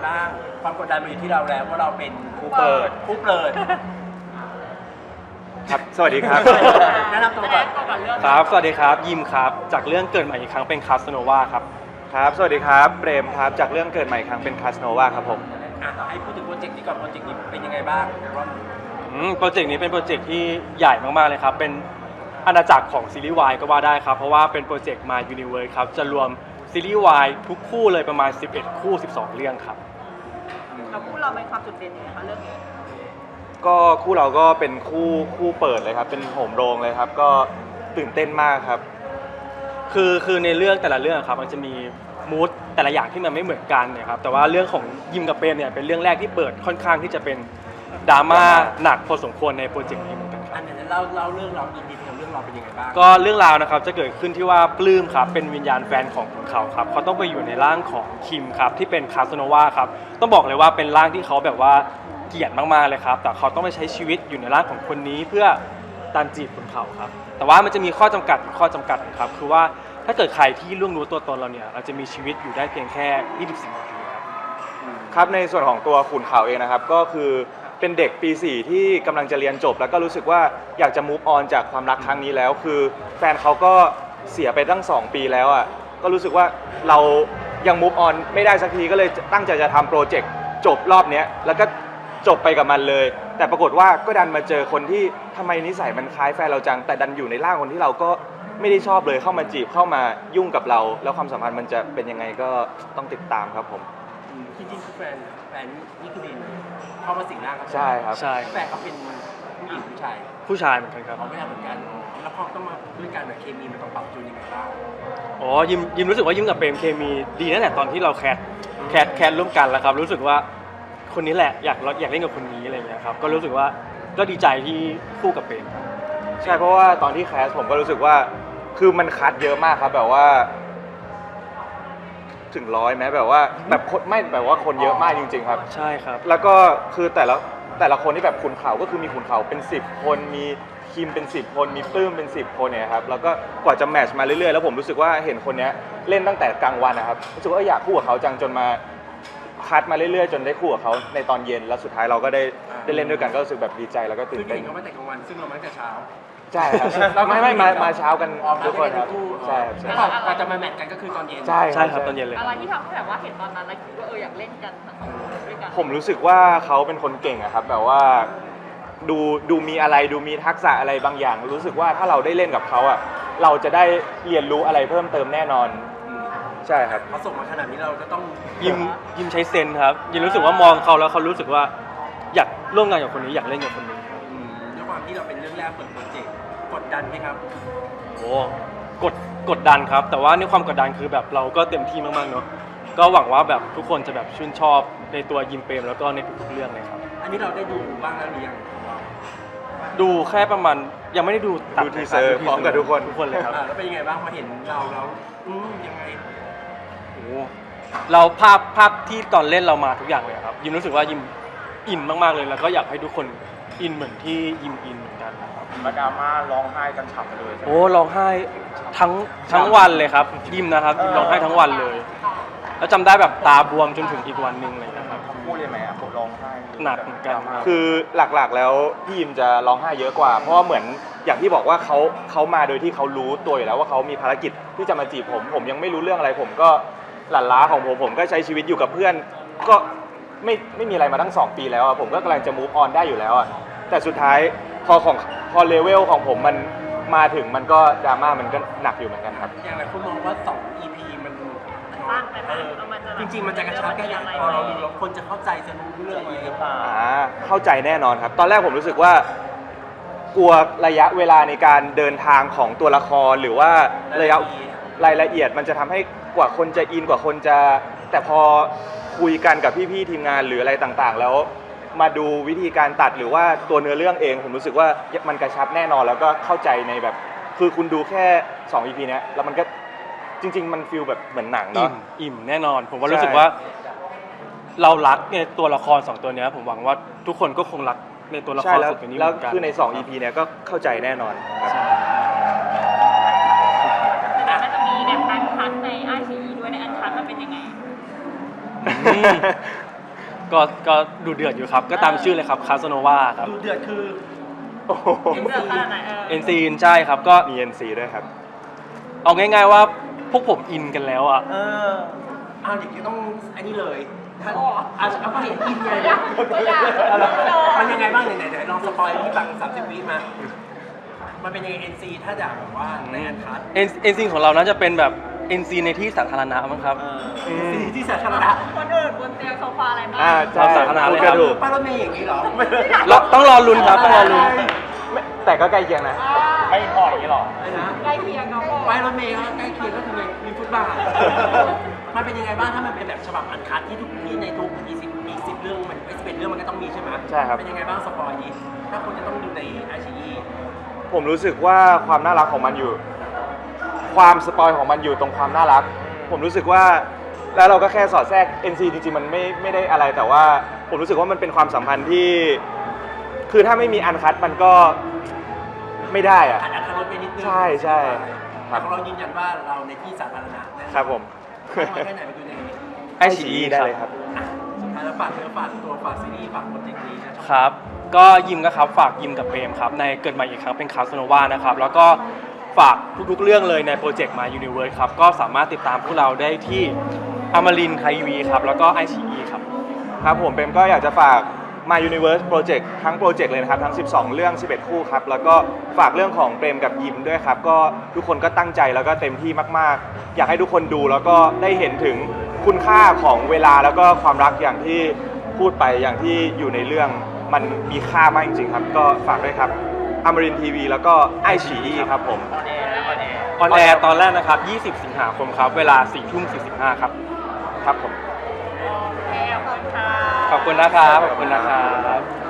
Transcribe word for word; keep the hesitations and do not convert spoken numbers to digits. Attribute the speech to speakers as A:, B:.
A: บ้างความกดดันมาอยู่ที่เราแล้วเพราะเราเป็น
B: ผู้เปิด
A: ผู้เปิด
B: ครับสวัสดีครับ
A: แนะนำตัวก่อน
C: ครับสวัสดีครับยิมครับจากเรื่องเกิดใหม่อีกครั้งเป็นคาสโนวาครับ
B: ครับสวัสดีครับเปรมครับจากเรื่องเกิดใหม่อีกครั้งเป็นคาสโนวาครับผม
A: อ่ะให้พูดถึงโปรเจกต์นี้ก่อนโปรเจกต์นี้เป็นยังไงบ้างว่า
C: อืมโปรเจกต์นี้เป็นโปรเจกต์ที่ใหญ่มากๆเลยครับเป็นอาณาจักรของซีรีส์วายก็ว่าได้ครับเพราะว่าเป็นโปรเจกต์ My Universe ครับจะรวมซีรีส์วายทุกคู่เลยประมาณสิบเอ็ดคู่สิบสองเรื่องครับ
D: เราคู่เราเป็นความจุดเด่นยังไงคะเรื่องนี้
B: ก็คู่เราก็เป็นคู่คู่เปิดเลยครับเป็นโหมโรงเลยครับก็ตื่นเต้นมากครับ
C: คือคือในเรื่องแต่ละเรื่องครับมันจะมีมูดแต่ละอย่างที่มันไม่เหมือนกันเนี่ยครับแต่ว่าเรื่องของยิมกับเปรมเนี่ยเป็นเรื่องแรกที่เปิดค่อนข้างที่จะเป็นดราม่าหนักพอสมควรในโปรเจกต์นี้เหมือนกันครับ
A: อันนี้เล่าเล่าเรื่องเราอินดีเทลเรื่องเราเป็นยังไงบ้าง
C: ก็เรื่องราวนะครับจะเกิดขึ้นที่ว่าปลื้มครับเป็นวิญญาณแฟนของขุนเขาครับเขาต้องไปอยู่ในร่างของคิมครับที่เป็นคาสโนวาครับต้องบอกเลยว่าเป็นร่างที่เขาแบบว่าเกลียดมากๆเลยครับแต่เขาต้องไปใช้ชีวิตอยู่ในร่างของคนนี้เพื่อตามจีบขุนเขาครับแต่ว่ามันจะมีข้อจำกัดข้อจำกัดครับคือว่าถ้าเกิดใครที่ล่วงรู้ตัวตนเราเนี่ยเราจะมีชีวิตอยู่ได้เพียงแค่ยี่สิบสี่นาทีครับ
B: ครับในส่วนของตัวขุนเขาเองนะครับก็คือเป็นเด็กปีสี่ที่กำลังจะเรียนจบ แล้วก็รู้สึกว่าอยากจะ move on จากความรักครั้งนี้แล้ว คือแฟนเขาก็เสียไปตั้งสองปีแล้วอ่ะก็รู้สึกว่าเรายัง move on ไม่ได้สักทีก็เลยตั้งใจจะทำโปรเจกต์จบรอบเนี้ยแล้วก็จบไปกับมันเลย แต่ปรากฏว่าก็ดันมาเจอคนที่ทำไมนิสัยมันคล้ายแฟนเราจังแต่ดันอยู่ในร่างคนที่เราก็ไม่ได้ชอบเลยเข้ามาจีบเข้ามายุ่งกับเรา แล้วความสัมพันธ์มันจะเป็นยังไงก็ต้องติดตามครับผม
A: อืมจริงๆคือแฟนแฟนนี่คือดินเข้ามาสิงร่างเขา
B: ใช่ครับ
C: ใช่
A: แฟนเขาเป็นผู้หญิงผู้ชาย
C: ผู้ชายเหมือนกันครับ
A: เขาไม่ทำเหมือนกันแล้วพอต้องมาด้วยกันแบบเคมีมันต้องปรับจูนยังไงบ้าง
C: อ๋อยิมยิมรู้สึกว่ายิมกับเปรมเคมีดีตั้งแต่ตอนที่เราแคสแคสแคสร่วมกันแล้วครับรู้สึกว่าคนนี้แหละอยากอยากเล่นกับคนนี้อะไรอย่างเงี้ยครับก็รู้สึกว่าก็ดีใจที่คู่กับเปรมครับ
B: ใช่เพราะว่าตอนที่แคสผมก็รู้สึกว่าคือมันคัดเยอะมากครับแบบว่าถึงร้อยไหมแบบว่าแบบคนไม่แบบว่าคนเยอะมากจริง ๆ ครับ
C: ใช่ครับ
B: แล้วก็คือแต่ละแต่ละคนที่แบบขุนเขาก็คือมีขุนเขาเป็นสิบคนมีคิมเป็นสิบคนมีปลื้มเป็นสิบคนเนี่ยครับแล้วก็กว่าจะแมทช์มาเรื่อยๆแล้วผมรู้สึกว่าเห็นคนเนี้ยเล่นตั้งแต่กลางวันนะครับรู้สึกว่าอยากคู่กับเขาจังจนมาคัดมาเรื่อยๆ จนได้คู่กับเขาในตอนเย็นแล้วสุดท้ายเราก็ได้ได้เล่นด้วยกันก็รู้สึกแบบดีใจแล้วก็ตื่
A: คื
B: น
A: อ
B: เต้
A: เห็
B: น
A: นเขามาแต่กลางวันซึ่งเรามาตั้งแต่เช้า
B: ใช่ครับไม่ไม่มามาเช้ากันทุกคนครับใช่ครับใช่
A: แล้วก่อนก่อนจะมาแมทกันก็คือตอนเย็น
B: ใช่
C: ใช่ครับตอนเย็นเลย
D: อะไรที่ทำให้แบบว่าเห็นตอนนั้นแล้วคิดว่าเอออยากเล่นกันทั้งสองคนด้วยกัน
B: ผมรู้สึกว่าเขาเป็นคนเก่งอะครับแบบว่าดูดูมีอะไรดูมีทักษะอะไรบางอย่าง รู้สึกว่าถ้าเราได้เล่นกับเขาอะเราจะได้เรียนรู้อะไรเพิ่มเติมแน่นอน
A: อืม
B: ใช่ครับ
A: เขาส่งมาขนาดนี้เราก็ต้อง
C: ยิมยิมใช้เซนส์ครับยิมรู้สึกว่ามองเขาแล้วเขารู้สึกว่าอยากร่วมงานกับคนนี้อยากเล่นกับคนนี้ครับ
A: อืมด้วยความที่เราเป็นเรื่องแรกเปิดโปรเจกต์กดดันไหมครับ
C: โอ้กดกดดันครับ แต่ว่าในความกดดันคือแบบเราก็เต็มที่มากๆเนาะก็หวังว่าแบบทุกคนจะแบบชื่นชอบในตัวยิมเปรมแล้วก็ในทุกๆเรื่องเลยครับ
A: อันนี้เราได้ดูบ้างแล้วหรือยังของเรา
C: ดูแค่ประมาณยังไม่ได้ดูตัด
B: ดูทีเซอร์พร้อมกับทุกคน
C: ทุกคนเลยครับ
A: อ่าแล้วเป็นยังไงบ้างพอเห็นเราแล้วอืมยังไง
C: โอ้เราภาพภาพที่ตอนเล่นเรามาทุกอย่างเลยครับยิมรู้สึกว่ายิมอินมากๆเลยแล้วก็อยากให้ทุกคนอินเหมือนที่ยิมอินเหมือนกันนะครับ
B: มาดราม่าร้องไห้กันฉ่ำเลย
C: โอ้ร้องไห้ทั้งทั้งวันเลยครับยิมนะครับยิมร้องไห้ทั้งวันเลย แล้วจำได้แบบตาบวมจนถึงอีกวันหนึ่งเลยนะครับ
B: พูดเลยไหมผมร้องไห้
C: หนักเหมือนกันครับ
B: คือหลักๆแล้วพี่ยิมจะร้องไห้เยอะกว่า เพราะว่าเหมือนอย่างที่บอกว่าเขาเขามาโดยที่เขารู้ตัวอยู่แล้วว่าเขามีภารกิจที่จะมาจีบผม ผมยังไม่รู้เรื่องอะไรผมก็หลั่นล้าของผมผมก็ใช้ชีวิตอยู่กับเพื่อน ก็ไม่ไม่มีอะไรมาตั้งสองปีแล้วอะผมก็กำลังจะ move on ได้อยู่แล้วอะแต่สุดท้ายพอของพอเลเวลของผมมันมาถึงมันก็ดราม่ามันก็หนักอยู่เหมือนกันครับ
A: อย่างไรคุณมองว่าสอง อี พี มัน
D: สั้นไปไหม
A: เออ
D: แล้วมันจะ
A: จริงๆมันจะกระชับแค่ไหนพอเราดูแล้วคนจะเข้าใจจะรู้เรื่องไหมหรือเปล่า
B: อ่าเข้าใจแน่นอนครับ ตอนแรกผมรู้สึกว่ากลัวระยะเวลาในการเดินทางของตัวละครหรือว่าระยะรายละเอียดมันจะทำให้กว่าคนจะอินกว่าคนจะแต่พอคุยกันกับพี่ๆทีมงานหรืออะไรต่างๆ แล้วมาดูวิธีการตัดหรือว่าตัวเนื้อเรื่องเอง ผมรู้สึกว่ามันกระชับแน่นอนแล้วก็เข้าใจในแบบคือคุณดูแค่สอง อี พี เนี้ยแล้วมันก็จริง ๆ มันฟีลแบบเหมือนหนัง
C: อิ่
B: เนาะ
C: มอิ่มแน่นอน ผมว่า
B: ใช่
C: รู้สึกว่า เรารักในตัวละครสองตัวเนี้ยผมหวังว่าทุกคนก็คงรักในตัวละค
B: ใช่
C: ร
B: แล้ว
C: สองตัวนี้เห
B: แล้ว
C: มือนกัน
B: คือในสอง อี พี เนี้ยก็เข้าใจแน่นอนครับ
D: แต่มันจะมีแบบอันคัทในไอซีด้วยในอันคัทมันเป็นยังไง
C: อืมก็ก็ดูเดือดอยู่ครับ ก็ตามชื่อเลยครับคาสโนวาครับ
A: ดูเดือดคือ
B: โอ้โห
D: เดือดขนาดไหนเออ
C: เอ็นซีนใช่ครับก็
B: มี เอ็น ซี ด้วยครับ
C: เอาง่าย ๆว่าพวกผมอินกันแล้วอ่ะ
A: เออเอาอย่างนี้ต้องอันนี้เลยถ้า
D: โอ้
A: เอาเอาก็เห็นอินไง
D: ไม่อยากไม่อยาก
A: มันยังไงบ้างไหนไหนๆลองสปอยที่ฟังสามสิบวิมา มันเป็นยังไง เอ็น ซี ถ้าอยากแบบว่าในงานคัด
C: เอ็นเอ็นซีของเราน่าจะเป็นแบบเอ็นซีในที่สาธารณะมั้งครับ
A: เออ เอ็น ซี ที่สาธารณะ
D: คนอื่นบนเตียงโซฟาอะไรบ้าง
B: อ่าใช่
C: สาธารณะเลย
B: ก
C: ครั
B: ระ
C: บ
B: ดูก
A: ป้ารถเมย์อย่างนี้เหรอ
C: เราต้องรอลุ้นครับต้องรอลุ้น
B: ไม่แต่ก็ใกล้เคียงนะ
C: ไม่พออย่างนี้หรอ
A: อะไรนะ
D: ใกล้เคียงเนาะ
A: ป้ายรถเมย์ก็ใกล้เคียงก็คือในมีฟุตบาท มันเป็นยังไงบ้างถ้ามันเป็นแบบฉบับอันคัดที่ทุกที่ในทุกอีสิบอีสิบเรื่องมันไอ้สิบเอ็ดเรื่องมันก็ต้องมีใช่ไหม
B: ใช่ครับ
A: เป็นยังไงบ้างสปอยนี้ถ้าคนจะต้องดูในไอชีอี
B: ผมรู้สึกว่าความน่ารักของมันอยู่ ความสปอยของมันอยู่ตรงความน่ารัก ผมรู้สึกว่าแล้วเราก็แค่สอดแทรก เอ็น ซี จริงๆมันไม่ไม่ได้อะไรแต่ว่าผมรู้สึกว่ามันเป็นความสัมพันธ์ที่ คือถ้าไม่มีอันคัดมันก็ไม่ได้อะ
A: อัดอัดรถไปนิดนึง
B: ใช่ใช่ครั
A: แต่
B: บ
A: ของเรายืนยันว่าเราในที่สาธารณะนะ
B: ครับผม
A: เข้ามาแค่ไหนไปดูใน
C: ไอชี
B: ได้
C: ครั
B: เลย
C: บ
B: ครับ
A: อ่ะสุดท้ายแล้วฝากเนื้อฝากตัวฝากซีรีส์ฝากโปรเจกต์นี้นะ
C: ครับ ก็ยิมก็ครับฝากยิมกับเปรมครับในเกิดใหม่อีกครั้งเป็นคาสโนวานะครับแล้วก็ฝากทุกๆเรื่องเลยในโปรเจกต์มา Universe ครับก็สามารถติดตามพวกเราได้ที่อมรินไทยวีครับแล้วก็ไอชีครับ
B: ครับผมเป็นก็อยากจะฝาก My Universe Project ทั้งโปรเจกต์เลยนะครับ ทั้ง สิบสอง เรื่อง สิบเอ็ด คู่ครับ แล้วก็ฝากเรื่องของเปรมกับยิมด้วยครับ ก็ทุกคนก็ตั้งใจแล้วก็เต็มที่มากๆ อยากให้ทุกคนดูแล้วก็ได้เห็นถึงคุณค่าของเวลาแล้วก็ความรักอย่างที่พูดไปอย่างที่อยู่ในเรื่องมันมีค่ามากจริงๆครับ ก็ฝากด้วยครับอมรินทีวีแล้วก็ไอฉีอีครับผม
C: ออนแอร์ตอนแรกนะครับ ยี่สิบ สิงหาคมครับ เวลา สี่ทุ่มสี่สิบห้า ครับ
B: ครับผม
D: โอเคขอบคุณค่ะ
C: ขอบคุณนะครับ ขอบคุณนะครับ